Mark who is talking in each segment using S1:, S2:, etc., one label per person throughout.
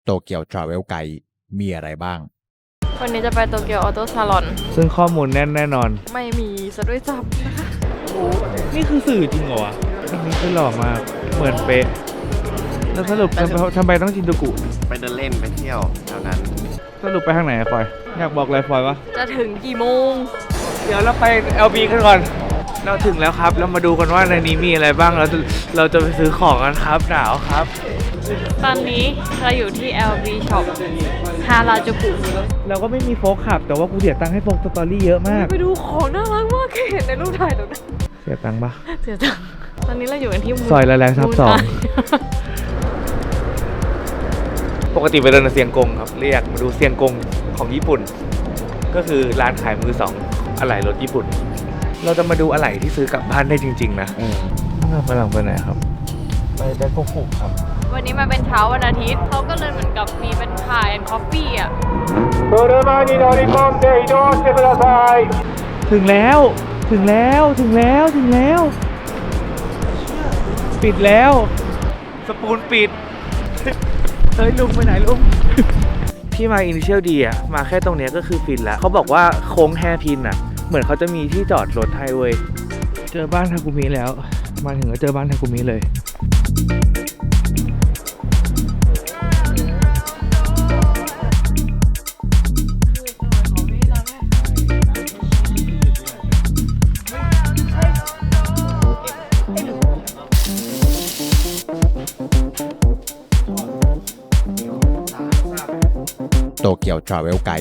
S1: โตเกียวทราเวลไกด์มีอะไรบ้าง
S2: วันนี้จะไปโตเกียวออโต้ซาลอน
S3: ซึ่งข้อมูลแน่นแน่นอน
S2: ไม่มีซะด้วยซ้ำนะคะ
S3: นี่คือสื่อจริงเหรอวะอันนี้คือหล่อมากเหมือนเป๊ะแล้วสรุปทำไมต้องชินจูกุ
S4: ไปเดินเล่นไปเที่ยวแถวนั้น
S3: สรุปไปทางไหนอะฟอยอยากบอกอะไรฟอยวะ
S2: จะถึงกี่โมง
S3: เดี๋ยวเราไป LB กันก่อนเราถึงแล้วครับเรามาดูกันว่าในนี้มีอะไรบ้างเราจะไปซื้อของกันครับหนาวครับ
S2: ตอนนี้เราอยู่ที่ LB Shop ฮาราจูกุ
S3: เราก็ไม่มีโฟกขับแต่ว่ากูเสียตังค์ให้โฟกสตอรี่เยอะมาก
S2: ไปดูของน่ารักมากเห็นในรูปถ่ายตรงนั้น
S3: เสียตังค์ปะ
S2: เสียจังตอนนี้เราอยู่กันที่
S3: ซอยละแรงทับสอง ปกติไปเดินในเซียงกงครับเรียกมาดูเซียงกงของญี่ปุ่น ก็คือร้านขายมือสองอะไหล่รถญี่ปุ่น เราจะมาดูอะไหล่ที่ซื้อกลับบ้านได้จริงๆนะเราไปหลังไปไหนครับไปแบงกอกครับ
S2: วันนี้มาเป็นเช้าวันอาทิตย์เขาก็เลยเหมือนกับมีเป็นคายแอนด์คอฟฟี่อ่ะ
S3: ถึงแล้วถึงแล้วถึงแล้วถึงแล้ว ปิดแล้วสปูนปิด เฮ้ยลุงไปไหนลุง ที่มาอินิเชียลดีอ่ะมาแค่ตรงเนี้ยก็คือฟินแล้วเขาบอกว่าโค้งแฮร์พินอ่ะเหมือนเขาจะมีที่จอดรถให้เว้ยเจอบ้านทากุมิแล้วมาถึงก็เจอบ้านทากุมิเลย
S1: โตเกียวทราเวลไกด์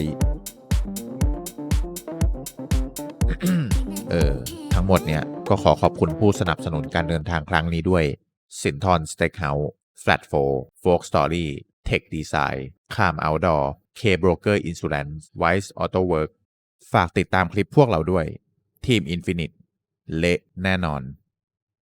S1: ทั้งหมดเนี่ยก็ขอขอบคุณผู้สนับสนุนการเดินทางครั้งนี้ด้วยสินทรสเต็กเฮาส์ Flat 4 Folk Story Tech Design คาม Outdoor K Broker Insurance Wise Auto Work ฝากติดตามคลิปพวกเราด้วยทีม Infinite เละแน่นอน